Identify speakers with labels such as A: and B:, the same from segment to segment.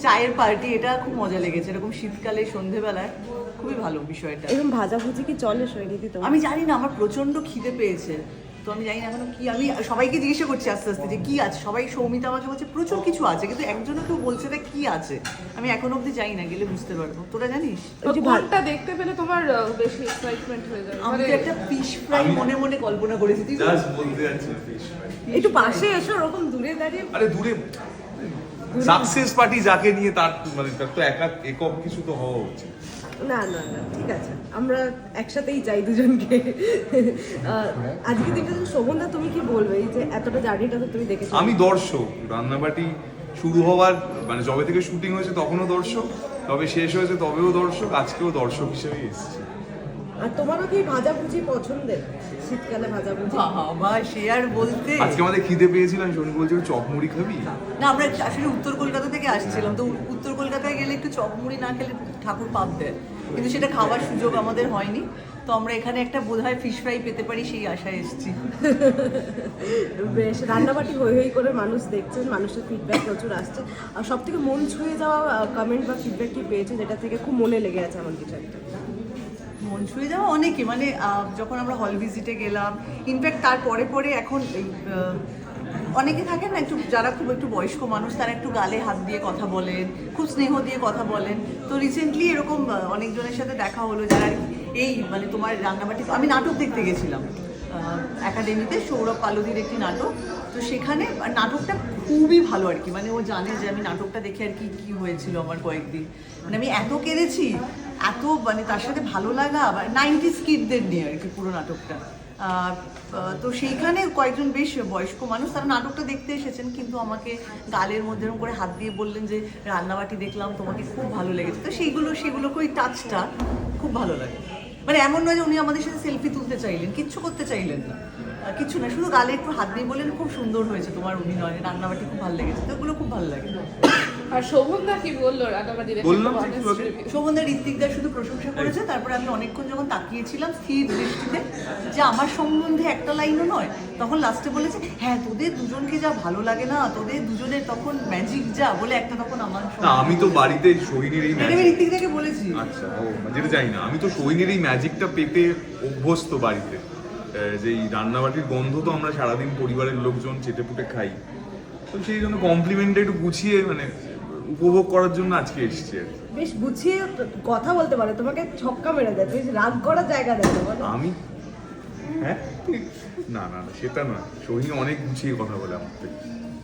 A: চায়ের পার্টি, এটা খুব মজা লেগেছে এরকম শীতকালে সন্ধেবেলায়, খুবই ভালো বিষয়টা।
B: এরকম ভাজাভুজি কি চলে শৈলীতে তো?
A: আমি জানি না, আমার প্রচন্ড খিদে পেয়েছে, তো আমি জানি না এখনো কি। আমি সবাইকে জিজ্ঞাসা করছি আস্তে আস্তে যে কি আছে, সবাই সৌমিতা আমাকে বলছে প্রচুর কিছু আছে, কিন্তু একজনও কেউ বলছে না কি আছে। আমি এখনো অবধি যাই না, গেলে বুঝতে পারবো। তোরা জানিস?
C: কোনটা দেখতে পেলে তোমার বেশি এক্সাইটমেন্ট হয়ে যাবে?
A: আমি তো একটা ফিশ ফ্রাই মনে মনে কল্পনা করেছি। তুই
D: জাস্ট বলতে যাচ্ছি ফিশ ফ্রাই।
B: একটু পাশে এসো, ওরকম দূরে দাঁড়িয়ে।
D: আরে দূরে সাকসেস পার্টি যাকে নিয়ে তার মানে তার তো একক কিছু তো হওয়া উচিত।
B: না না না, ঠিক আছে, আমরা একসাথেই চাই দুজনকে। আজকে দিনটা শোভনদা, তুমি কি বলবে এই যে এতটা জার্নিটা তো তুমি দেখেছো?
D: আমি দর্শক, রান্নাবাটি শুরু হওয়ার মানে যবে থেকে শুটিং হয়েছে তখনও দর্শক, তবে শেষ হয়েছে তবেও দর্শক, আজকেও দর্শক হিসেবেই এসেছি।
B: আর তোমারও কি ভাজাভুজি পছন্দের? শীতকালে ভাজাভুজি?
A: বাবা, সে আর বলতে।
D: আজকে আমাদের খিদে পেয়েছিলাম, শনি বলছিল চপ মুড়ি খাবি?
A: না, আমরা আসলে উত্তর কলকাতা থেকে আসছিলাম, তো উত্তর কলকাতায় গেলে একটু চপ মুড়ি না খেলে ঠাকুর পাপ দেয়, কিন্তু সেটা খাওয়ার সুযোগ আমাদের হয়নি। তো আমরা এখানে একটা বোধহয় ফিশ ফ্রাই পেতে পারি সেই আশায় এসেছি।
B: বেশ, রান্নাবাটি হই হই করে মানুষ দেখছেন, মানুষের ফিডব্যাক প্রচুর আসছে। আর সব থেকে মন ছুঁয়ে যাওয়া কমেন্ট বা ফিডব্যাক কি পেয়েছেন, যেটা থেকে খুব মনে লেগে আছে আমার কিছু একটা?
A: মন ছুঁয়ে যাওয়া অনেকে, মানে যখন আমরা হল ভিজিটে গেলাম, ইনফ্যাক্ট তার পরে পরে এখন এই অনেকে থাকেন না একটু, যারা খুব একটু বয়স্ক মানুষ, তারা একটু গালে হাত দিয়ে কথা বলেন, খুব স্নেহ দিয়ে কথা বলেন। তো রিসেন্টলি এরকম অনেকজনের সাথে দেখা হলো যারা এই মানে তোমার রান্নাবাটি, আমি নাটক দেখতে গেছিলাম একাডেমিতে, সৌরভ পালদির একটি নাটক। তো সেখানে নাটকটা খুবই ভালো আর কি, মানে ও জানে যে আমি নাটকটা দেখে আর কি কি হয়েছিল আমার কয়েকদিন, মানে আমি এত কেঁদেছি, এত মানে তার সাথে ভালো লাগা, আবার 90s কিডদের নিয়ে আর কি পুরো নাটকটা। তো সেইখানে কয়েকজন বেশ বয়স্ক মানুষ তারা নাটকটা দেখতে এসেছেন, কিন্তু আমাকে গালের মধ্যে এরকম করে হাত দিয়ে বললেন যে রান্নাবাটি দেখলাম, তোমাকে খুব ভালো লেগেছে। তো সেইগুলোকে ওই টাচটা খুব ভালো লাগে। মানে এমন নয় যে উনি আমাদের সাথে সেলফি তুলতে চাইলেন, কিচ্ছু করতে চাইলেন না, কিছু না, শুধু গালে একটু হাত দিয়ে বললেন খুব সুন্দর হয়েছে তোমার অভিনয়, রান্নাবাটি খুব ভালো লেগেছে। তো ওগুলো খুব ভালো লাগে।
C: আর শোভনদা কি বললো রান্নাবাটি দেখে?
D: বললাম যে একটু আগে।
A: শোভনদা ঋত্বিকদার শুধু প্রশংসা করেছে, তারপরে আমি অনেকক্ষণ যখন তাকিয়েছিলাম স্থির দৃষ্টিতে, যে আমার সম্বন্ধে একটা লাইনও নয়, তখন লাস্টে বলেছে হ্যাঁ তোদের দুজনকে যা ভালো লাগে না, তোদের দুজনের তখন ম্যাজিক যা বলে একটা, তখন আমার
D: না আমি তো বাড়িতে সোহিনীর এই
A: আমি ঋত্বিকদাকে বলেছি।
D: আচ্ছা, ও যেটা জানি না, আমি তো সোহিনীর এই ম্যাজিকটা পেতে অভ্যস্ত বাড়িতে, যে এই রান্নাবাটির গন্ধ তো আমরা সারাদিন পরিবারের লোকজন চেটেপুটে খাই, তো সেই জন্য কমপ্লিমেন্টটা একটু গুছিয়ে মানে উপভোগ করার জন্য আজকে এসেছি আর কি।
B: বেশ গুছিয়ে কথা বলতে পারে, তোমাকে ছক্কা মেরে দেয়, বেশ রাগ করার জায়গা দেয় না।
D: আমি হ্যাঁ না না না সেটা নয়, সোহিনী অনেক গুছিয়ে কথা বলে আমার থেকে।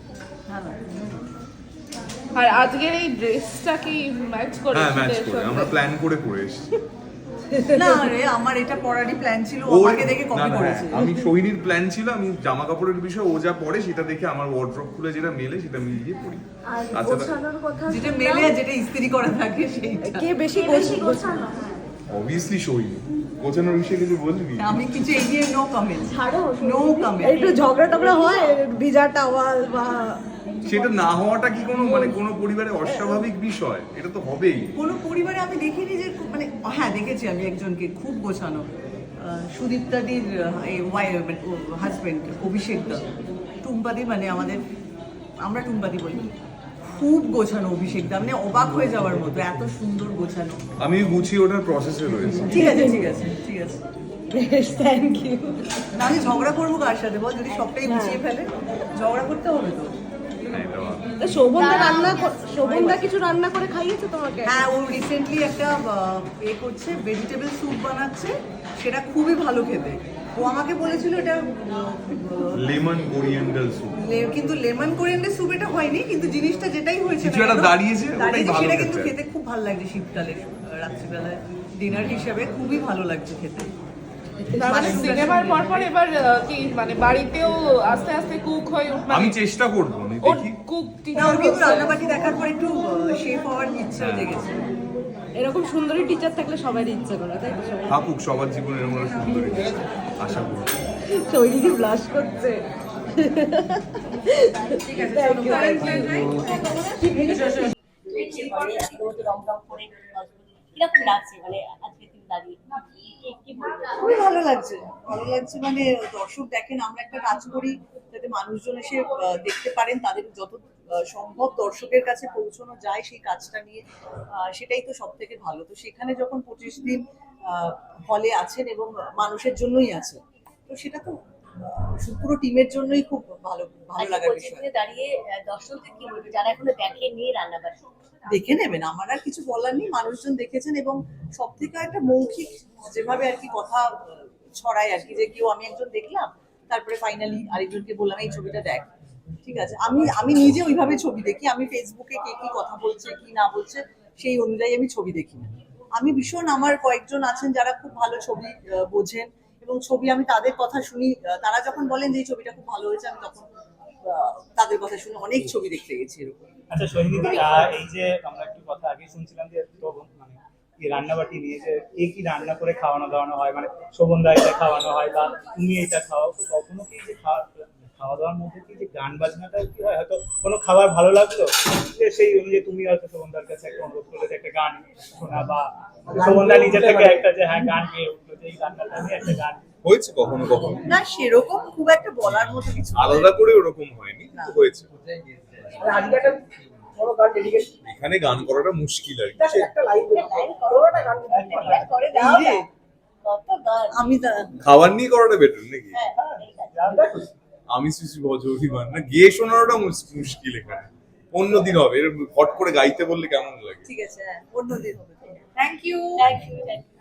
C: আর আজকের এই ড্রেসটা কি ম্যাচ করে?
D: হ্যাঁ ম্যাচ করে, আমরা প্ল্যান করে পরে এসেছি।
A: না রে, আমার এটা পরারই প্ল্যান ছিল, ও আমাকে দেখে কপি করেছে।
D: আমি সোহিনীর প্ল্যান ছিল, আমি জামা কাপড়ের বিষয় ও যা পরে সেটা দেখে আমার ওয়ার্ড্রপ খুলে যেটা মেলে সেটা মিলিয়ে পরি।
B: আর
D: আচ্ছা,
B: গোছানোর কথা,
A: যেটা মেলে আর যেটা ইস্ত্রি করা থাকে সেইটা।
B: কে বেশি গোছানো?
D: অবভিয়াসলি সোহিনী। গোছানোর বিষয়ে কিছু বলবি?
A: আমি কিছু এই নিয়ে নো কমেন্ট,
B: ছাড়ো,
A: নো কমেন্ট।
B: একটু ঝগড়া টগড়া হয়, ভিজা টাওয়াল বা
D: সেটা না হওয়াটা কি কোনো মানে কোনো পরিবারে অস্বাভাবিক বিষয়? এটা তো হবেই।
A: কোনো পরিবারে আমি দেখিনি যে মানে, হ্যাঁ দেখেছি আমি একজনকে খুব গোছানো, সুদীপ্তাদির হাজবেন্ড অভিষেক দা, টুম্পাদি, মানে আমরা টুম্পাদি বলি, খুব গোছানো অভিষেক দা, মানে অবাক হয়ে যাওয়ার মতো, এত সুন্দর গোছানো।
D: আমি গুছিয়ে ওঠার প্রসেসে রয়েছি।
A: ঠিক আছে ঠিক আছে ঠিক আছে।
B: বেশ, থ্যাংক ইউ।
A: না আমি ঝগড়া করবো কার সাথে বল, যদি সবটাই গুছিয়ে ফেলে ঝগড়া করতে হবে তো।
D: হ্যাঁ, এটা ভালো।
B: শোভনদা কিছু রান্না করে খাইয়েছে তোমাকে?
A: হ্যাঁ, ও রিসেন্টলি একটা করছে, ভেজিটেবল স্যুপ বানাচ্ছে, সেটা খুবই ভালো খেতে। ও আমাকে বলেছিল এটা
D: লেমন কোরিয়েন্ডার স্যুপ।
A: কিন্তু লেমন কোরিয়ান্ডার স্যুপ এটা হয়নি, কিন্তু জিনিসটা যেটাই হয়েছে
D: কিছু একটা দাঁড়িয়েছে, ওটাই ভালো
A: সেটা কিন্তু
D: খেতে।
A: খেতে খুব ভালো লাগছে শীতকালে, রাত্রিবেলায় ডিনার হিসেবে খুবই ভালো লাগছে খেতে।
C: তার মানে সিনেমার পর এবার কি মানে বাড়িতেও আস্তে আস্তে কুক হয়ে উঠবে?
D: আমি চেষ্টা করবো, আমি দেখি।
C: কুক
A: না,
C: টিচার
A: ওর কিন্তু রান্নাবাটি দেখার পর একটু শেফ হওয়ার ইচ্ছা জেগেছে।
B: এরকম সুন্দরী টিচার থাকলে সবারই ইচ্ছে করে, তাই তো?
D: থাকুক সবার জীবনে এরকম একটা সুন্দর কিছু, আশা করি।
B: শৈলী ব্লাশ করছে।
E: কিরকম লাগছে মানে আজকে দিন দাঁড়িয়ে? কি বলবেন?
A: খুবই ভালো লাগছে, ভালো লাগছে। মানে দর্শক দেখেন, আমরা একটা কাজ করি যাতে মানুষজন এসে দেখতে পারেন, তাদের যত সম্ভব দর্শকের কাছে পৌঁছানো যায় সেই কাজটা নিয়ে, সেটাই তো সব থেকে ভালো। তো সেখানে যখন 25 দিন হলে আছেন এবং মানুষের জন্যই আছেন, তো সেটা তো পুরো টিমের জন্যই খুব ভালো ভালো
E: আজকে
A: লাগার
E: 25
A: বিষয়।
E: দিনে দাঁড়িয়ে দর্শকদের কি বলবে যারা এখনো দেখেনি রান্নাবাড়ি?
A: দেখে নেবেন, আমার আর কিছু বলার নেই। মানুষজন দেখেছেন এবং সব থেকে একটা মৌখিক যেভাবে আর কি কথা ছড়ায় আর কি, যে কেউ আমি একজন দেখলাম, তারপরে ফাইনালি আরেকজনকে বললাম এই ছবিটা দেখ। ঠিক আছে, আমি আমি নিজে ওইভাবে ছবি দেখি। আমি ফেসবুকে কে কি কথা বলছে কি না বলছে সেই অনুযায়ী আমি ছবি দেখি না। আমি ভীষণ, আমার কয়েকজন আছেন যারা খুব ভালো ছবি বোঝেন, এবং ছবি আমি তাদের কথা শুনি। তারা যখন বলেন যে এই ছবিটা খুব ভালো হয়েছে, আমি তখন তাদের কথা শুনে অনেক ছবি দেখতে গেছি এরকম।
F: আচ্ছা সোহিনী, এই যে আমরা একটু কথা আগে শুনছিলাম যে তো মানে এই রান্নাবাটি নিয়ে যে কি রান্না করে খাওয়ানো দাওয়ানো হয়, মানে শোভনদা এটা খাওয়ানো হয় বা তুমি এটা খাওয়াও, তো কখনো কি যে খাওয়া দাওয়ার মধ্যে কি যে গান বাজনাটা কি হয়, হয়তো কোনো খাবার ভালো লাগলো যে সেই অনুযায়ী তুমি হয়তো শোভনদার কাছে একটা অনুরোধ করলে যে একটা গান শোনা, বা শোভনদা নিজে থেকে একটা যে হ্যাঁ গান গেয়ে উঠলো যে এই রান্নাটা নিয়ে একটা গান।
D: হয়েছে কখনো কখনো,
A: না সেরকম খুব একটা বলার মতো কিছু নেই।
D: আলাদা করে ওরকম হয়নি, কিন্তু হয়েছে।
G: আজকে একটা বড় গান ডেডিকেট,
D: এখানে গান করাটা মুশকিল আর কি।
G: একটা লাইন
E: লাইন করো,
G: পুরোটা গান
E: লাইন করে দাও
A: এই রে,
E: না। কত গান।
A: আমি
D: খাবার নিয়ে করাটা বেটার নাকি?
E: হ্যাঁ, এই গান।
D: আমি শ্রী ভজরিমান না, গিয়ে শোনানোটা মুশকিল এখানে। অন্যদিন হবে, এর হট করে গাইতে বললে কেমন লাগে?
A: ঠিক আছে, হ্যাঁ, অন্যদিন হবে।
C: Thank you.
E: Thank you, thank you.